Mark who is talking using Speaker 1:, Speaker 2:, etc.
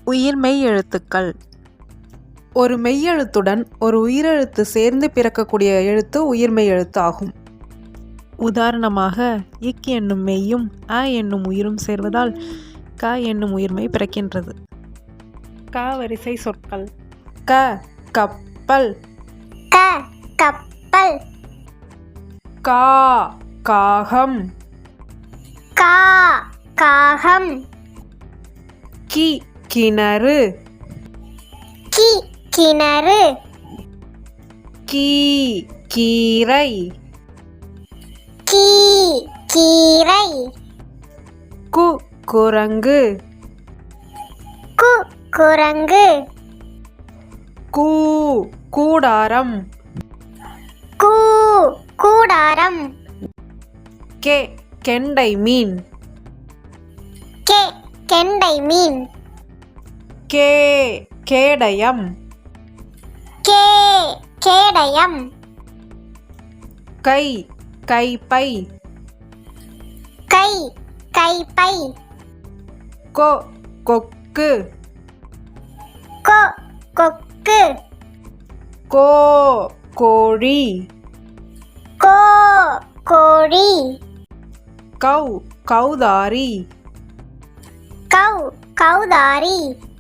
Speaker 1: உயிர் மெய் எழுத்துக்கள். ஒரு மெய்யெழுத்துடன் ஒரு உயிரெழுத்து சேர்ந்து பிறக்கக்கூடிய எழுத்து உயிர்மெய் எழுத்து ஆகும். உதாரணமாக, இக் என்னும் மெய்யும் அ என்னும் உயிரும் சேர்வதால் க என்னும் உயிர்மெய் பிறக்கின்றது. க வரிசை சொற்கள். க கப்பல்.
Speaker 2: க கப்பல்.
Speaker 1: கா காகம்.
Speaker 2: கா காகம்.
Speaker 1: கி கிணறு.
Speaker 2: கி கிணறு.
Speaker 1: கீ கீரை.
Speaker 2: கீ கீரை.
Speaker 1: கு குரங்கு.
Speaker 2: கு குரங்கு.
Speaker 1: கூ கூடாரம்.
Speaker 2: கூ கூடாரம்.
Speaker 1: கே கெண்டை மீன்.
Speaker 2: கே கெண்டை மீன்.
Speaker 1: கே கேடயம்.
Speaker 2: கே கேடயம்.
Speaker 1: கை கைப்பை.
Speaker 2: கை கைப்பை.
Speaker 1: கொ கொக்கு.
Speaker 2: கொ கொக்கு.
Speaker 1: கோ கோழி.
Speaker 2: கோ கோழி.
Speaker 1: கௌ கௌதாரி.
Speaker 2: கௌ கௌதாரி.